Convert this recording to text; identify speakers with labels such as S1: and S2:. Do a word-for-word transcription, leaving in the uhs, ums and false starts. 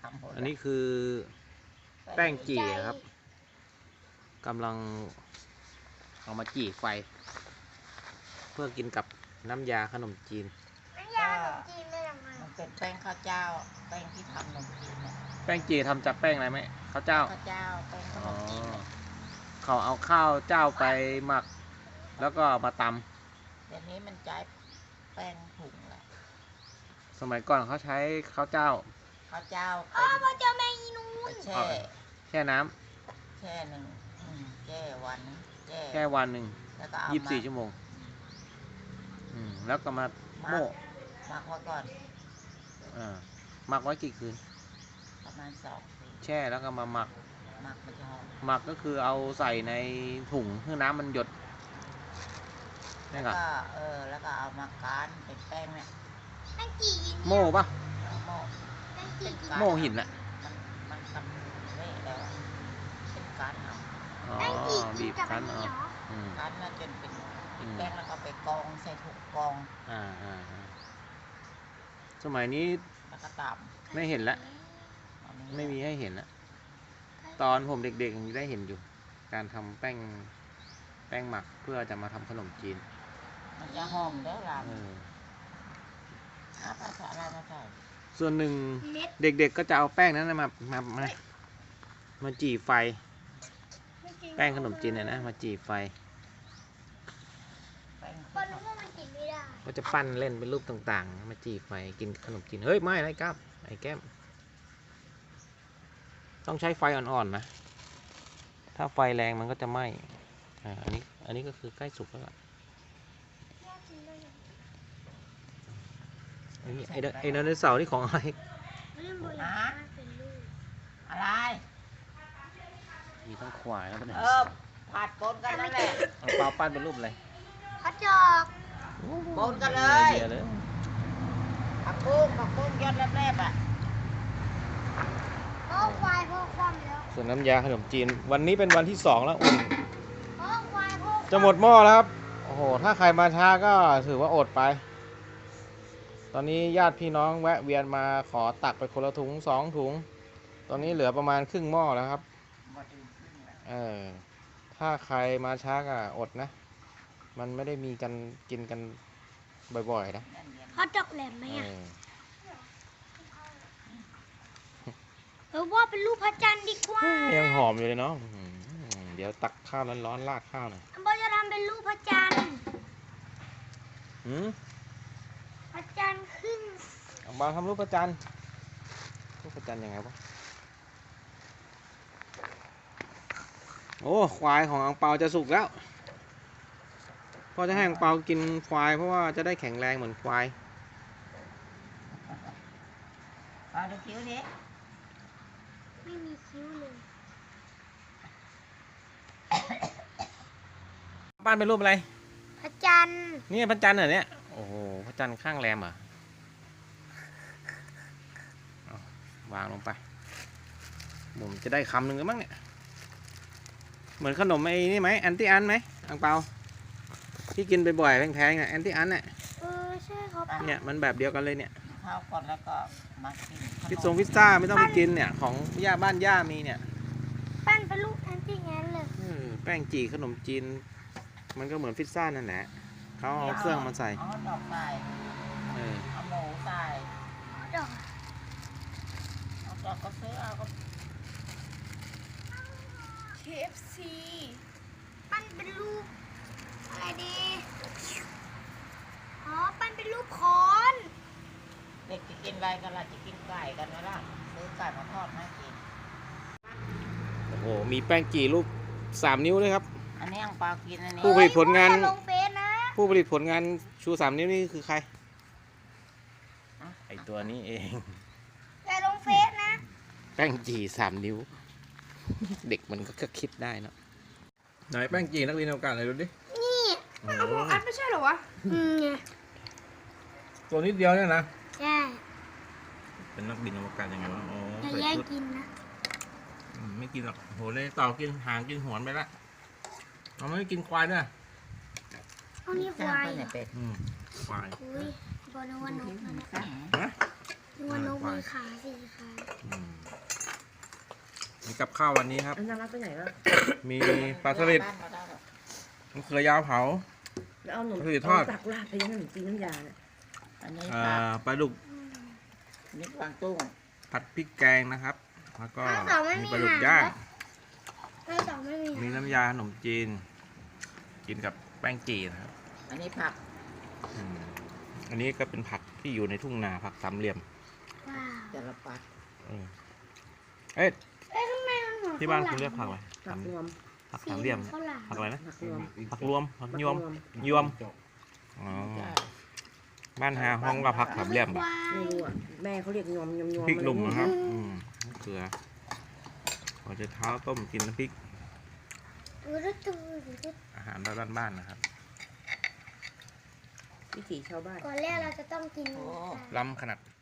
S1: ำหมด
S2: อันนี้คือแป้งจี่ครับกำลังเอามาจี่ไฟ เพื่อกินกับน้ำยาขนมจีน
S3: น้ำยาขนมจีนเป็นยังไง
S1: มันเป็นแป้งข้าวเจ้าแป้งที่ทำขนมจีนเนี่ย
S2: แป้งจี่ทำจากแป้งอะไรไหมข้าวเจ้า
S1: ข้าวเจ้าแป้งขนมจีน
S2: เขาเอาข้าวเจ้าไปหมักแล้วก็มาต
S1: ำเดี๋ยวนี้มันใช้แป้งถุงแหละ
S2: สมัยก่อนเขาใช้ข้าวเจ้า
S1: ข้าวเจ้า
S3: อ๋อพ่อเจ้าแม่ยีนูน
S1: แช่
S2: แช่น้ำ
S1: แช่หนึ่งแช่วันแช่
S2: แช่วันหนึ่ง
S1: แล้วก็เอา
S2: ยี่สิบสี่ชั่วโมงอืมแล้วก็มาโม่
S1: หมักไว้ก่อน
S2: อ่าหมักไว้กี่คืน
S1: ประมาณสองคืน
S2: แช่แล้วก็มาหมัก
S1: หมักมันจะหอม
S2: หมักก็คือเอาใส่ในถุงเพื่อน้ำมันหยดนี่
S1: ก็เออแล้วก็เอามาการเป็นแป้งเนี่ย
S3: แป้งจี่
S2: โม่ปะ
S1: โม่
S3: แป้งจี่
S2: โม่หินแหละ
S1: มันมันทำเละแล้วเป็นการเอา
S3: แป้งจี่
S2: บีบคั้นเอา
S1: การแล้วจนเป็นแป้งแล้วก็ไปกองใส่ถุงกอง
S2: อ่าอ่าสมัยนี้
S1: แล้วก็ตำ
S2: ไม่เห็นแล้วไม่มีให้เห็นแล้วตอนผมเด็กๆยังได้เห็นอยู่การทำแป้งแป้งหมักเพื่อจะมาทำขนมจีน
S1: มันจะหอมเด้อล่ะภาษาอะไรมาใส่
S2: ส่วนหนึ่งเด็กๆก็จะเอาแป้งนั้นมามามามาจี่ไฟแป้งขนมจีนเนี่ยนะมาจี่ไฟก็จะปั้นเล่นเป็นรูปต่างๆมาจี่ไฟกินขนมจีนเฮ้ยไม่ไรครับไอ้แก้มต้องใช้ไฟอ่อนๆนะถ้าไฟแรงมันก็จะไหม้อ่าอันนี้อันนี้ก็คือใกล้สุกแล้วล่ะไอ้ไอ้ไอ้ไดโนเสาร์นี่ของอะไร
S1: อะไร
S2: มีทั้งควายแล้วก็
S1: เออผัดปนกันนั่นแหละ
S2: เอาเปล่าปั้นเป็นรูปอะไร
S3: ผัดจอก
S1: ปนกันเลยผักบุ้งผักบุ้งยอดแรบๆอ่ะ
S3: พ่อควายพ่อคว่ำแล้ว
S2: ส่วนน้ำยาขนมจีนวันนี้เป็นวันที่สองแล้วอุ่น
S3: พ่อควายพ่อ
S2: จะหมดหม้อแล้วครับโอ้โหถ้าใครมาช้าก็ถือว่าอดไปตอนนี้ญาติพี่น้องแวะเวียนมาขอตักไปคนละถุงสองถุงตอนนี้เหลือประมาณครึ่งหม้อแล้วครับเออถ้าใครมาช้าก็อดนะมันไม่ได้มีกันกินกันบ่อยๆนะ
S3: พ่อจอกแหลมไหมอ่ะเออว่าเป็นรูปพระจันทร์ดีกว่า
S2: ยังหอมอยู่เลยเนาะเดี๋ยวตักข้าวร้อนๆราดข้าวหน่อย
S3: พ่อจะทำเป็นรูปพระจันทร์
S2: หืม
S3: พระจันทร์ขึ้น
S2: เอามาทำรูปพระจันทร์รูปพระจันทร์ยังไงวะโอ้ควายของอังเปาจะสุกแล้วพ่อจะให้อังเปากินควายเพราะว่าจะได้แข็งแรงเหมือนควาย
S1: เอาดูคิ้วนี้
S3: ไม่มีคิ้วเลย
S2: บ้านเป็นรูปอะไร
S3: พระจันทร์
S2: นี่พระจันทร์เหรอเนี่ยโอ้โหพระจันทร์ข้างแรมอ่ะวางลงไปผมจะได้คำหนึ่งแล้วมั้งเนี่ยเหมือนขนมไอ้นี่ไหมแอนตี้อันไหมอังเปาที่กินบ่อยๆแพงๆอ่ะแอนตี้อันเนี่ย
S3: เออใช่ครับ
S2: เนี่ยมันแบบเดียวกันเลยเนี่ย
S1: ข้าวก่อนแล้วก็มากิน
S2: พิซซ่งพิซซ่าไม่ต้องไปกินเนี่ยของย่าบ้านย่ามีเนี่ย
S3: ปั้นเป็นลูกแอนตี้งั้นเลย
S2: แป้งจี่ขนมจีนมันก็เหมือนพิซซ่านั่นแหละเขาเอาเครื่องมาใส่
S1: เอาดอกใส่เอาหมูใส่
S3: ดอก
S1: เอาดอกก็ซื้อเอาก็
S3: เค เอฟ ซี ปั้นเป็นรูปอะไรดีอ๋อปั้นเป็นรูปคอน
S1: เด็กจะกินอะไรกันล่ะจะกินไก่กันไหมล่ะซื้อไก่มาทอดให้กิน
S2: โอ้โหมีแป้งจี่รูปสามนิ้วเลยครับ
S1: อันนี้อังเปากินอันนี้
S2: ผู้ผลิตผลงาน
S3: ลงเฟซนะ
S2: ผู้ผลิตผลงานชูสามนิ้วนี่คือใครไอตัวนี้เอง
S3: แต่ลงเฟซนะ
S2: แป้งจี่สามนิ้วเด็กมันก็คิดได้นะไหนแป้งจี่นักเรียนอวกาศไหนดูดิ
S3: นี่มันเอาพวกอัดไม่ใช่หรอวะอืมไง
S2: ตัวนิดเดียวเนี่ยนะ
S3: ใช่
S2: เป็นนักบินอวกาศยังไงวะโอ้
S3: ใส่ชุดกินนะ
S2: ไม่กินหรอกโหเลยต่อกินหางกินหัวไปละเราไม่กินควายด้วย
S3: เอานี่ควาย
S1: เป็ด
S2: ควาย
S3: อุ้ยบอลนกนกนะนกนกมีขาสี่ขา
S2: มีกับข้าววันนี้ครับ
S4: อันนั้นรักไปไหนวะ
S2: มีปลาสลิด
S1: บ้านมาได้หรอก
S2: มะเขือยาวเผา
S4: แล้วเอาหนม
S2: ก็คือทอด
S4: เาตักลาดไปยังขนมจีนน้ำยาเนี่ย
S1: อันนี้
S2: อ่า
S1: ผัก
S2: ปลาดุก
S1: อันนี้กวางตุ้ง
S2: ผัดพริกแกงนะครับ แล้วก็
S3: ข้าวสองไม่
S2: มี
S3: มี
S2: ปลาดุก
S3: หาง
S2: ย่าง
S3: ข้าวสองไม่มี
S2: มีน้ำยาขนมจีน กินกับแป้งจีนะครับ
S1: อันนี้ผัก
S2: อืมอันนี้ก็เป็นผักที่อยู่ในทุ่งนาผักสามเหลี่ยม
S3: ว้าว
S1: จระปัด
S2: เออเอ๊ะ
S3: เอ๊ะทำไมมันเหมือน
S2: ที่บ้าน
S3: ข้
S2: คุ
S3: ว
S2: ณ
S3: หล
S2: เรียกผักอะไร
S4: ผักรวม
S2: ผักสามเหลี่ยม
S3: ข้าวหลาม
S2: ผักอะไรนะ
S4: ผักรวม
S2: ผักรวมผักยวมยวมอ๋อบ้านหาห้องกับผักสามเหลี่ยม
S3: ควาย
S4: ไม่รู้อ่ะแม่เขาเรียกยอมยอมยอม
S2: พริกหนุ่ม
S4: อะ
S2: นะ
S4: ไ
S2: ครับอืมมะเกลือพอจะเท้าต้มกินน้ำพริก
S3: ดูดูดูดูดู
S2: อาหารบ้านๆนะครับ
S4: วิถีชาวบ้าน
S3: ก่อนแรกเราจะต้องกิน
S1: โอ้
S2: ล้ำขนาด